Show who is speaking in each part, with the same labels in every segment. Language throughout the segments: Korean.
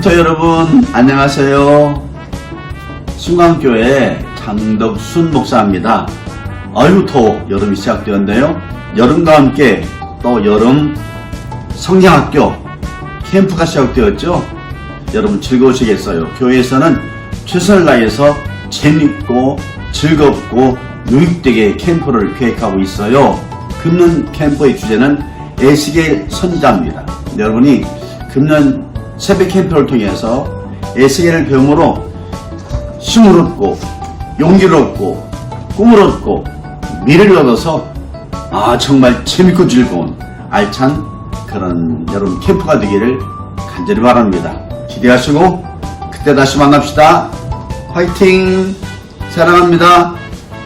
Speaker 1: 캠퍼 여러분 안녕하세요. 순강교회 장덕순 목사입니다. 아유 더 여름이 시작되었네요. 여름과 함께 또 여름 성장학교 캠프가 시작되었죠. 여러분 즐거우시겠어요? 교회에서는 최선을 다해서 재밌고 즐겁고 유익되게 캠프를 계획하고 있어요. 금년 캠프의 주제는 에스겔 선지자입니다. 여러분이 금년 새벽 캠프를 통해서 에스겔을 배움으로 힘을 얻고 용기를 얻고 꿈을 얻고 미래를 얻어서 정말 재밌고 즐거운 알찬 그런 여러분 캠프가 되기를 간절히 바랍니다. 기대하시고 그때 다시 만납시다. 화이팅! 사랑합니다.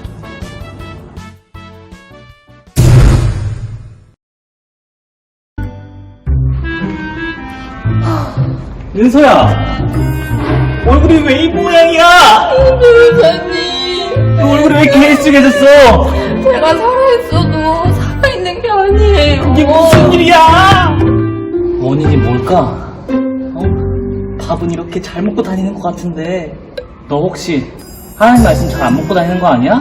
Speaker 2: 은서야, 얼굴이 왜 이 모양이야?
Speaker 3: 변호사님,
Speaker 2: 너 얼굴이 왜 이렇게 헬쑥해졌어?
Speaker 3: 제가 살아있어도 살아있는 게 아니에요.
Speaker 2: 이게 무슨 일이야? 원인이 뭘까? 밥은 이렇게 잘 먹고 다니는 것 같은데 너 혹시 하나님 말씀 잘 안 먹고 다니는 거 아니야?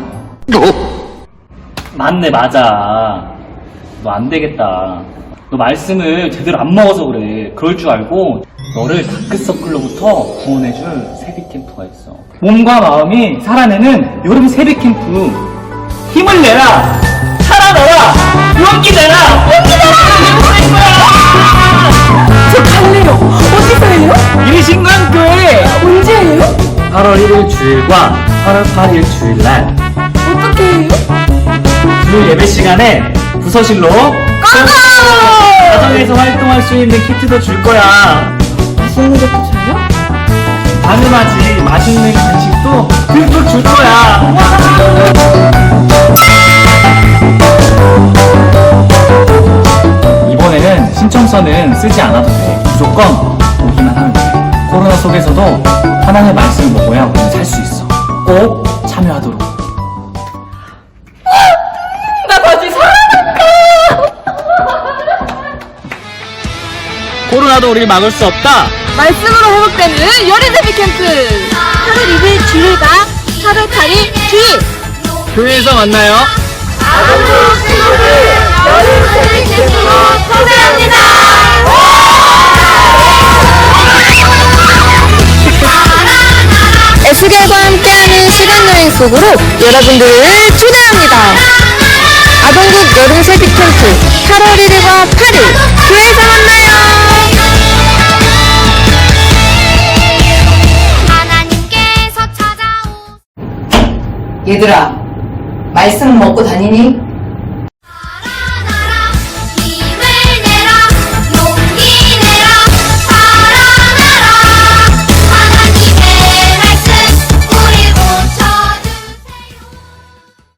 Speaker 2: 맞네, 맞아. 너 안 되겠다. 너 말씀을 제대로 안 먹어서 그래. 그럴 줄 알고 너를 다크서클로부터 구원해줄 세비캠프가 있어. 몸과 마음이 살아내는 여름 세비캠프. 힘을 내라! 살아나라! 용기 내라! 용기 내라!
Speaker 3: 저 갈래요. 어디서 해요?
Speaker 2: 이신강교회!
Speaker 3: 언제예요?
Speaker 2: 8월 1일 주일과 8월 8일 주일날
Speaker 3: 어떻게 해요?
Speaker 2: 주일 예배 시간에 부서실로 가정에서 활동할 수 있는 키트도 줄 거야.
Speaker 3: 맛있는 것도 줘요?
Speaker 2: 당연하지. 맛있는 간식도 듬뿍 줄 거야. 이번에는 신청서는 쓰지 않아도 돼. 무조건 오기만 하면 돼. 코로나 속에서도 하나님의 말씀을 먹어야 우리는 살 수 있어. 꼭 참여하도록.
Speaker 3: 나 다시 살아날까?
Speaker 2: 코로나도 우리를 막을 수 없다.
Speaker 3: 말씀으로 회복되는 여름 데뷔 캠프 8월 2일 주일과 8월 8일 주일
Speaker 2: 교회에서 만나요.
Speaker 3: 아동부 친구들 여름 데뷔 캠프로 초대합니다. 에스겔과 함께하는 시간여행 속으로 여러분들을 초대합니다. 아동국 여름 세비 캠프 8월 1일과 8일 교회에서 만나요.
Speaker 4: 얘들아, 말씀 먹고 다니니?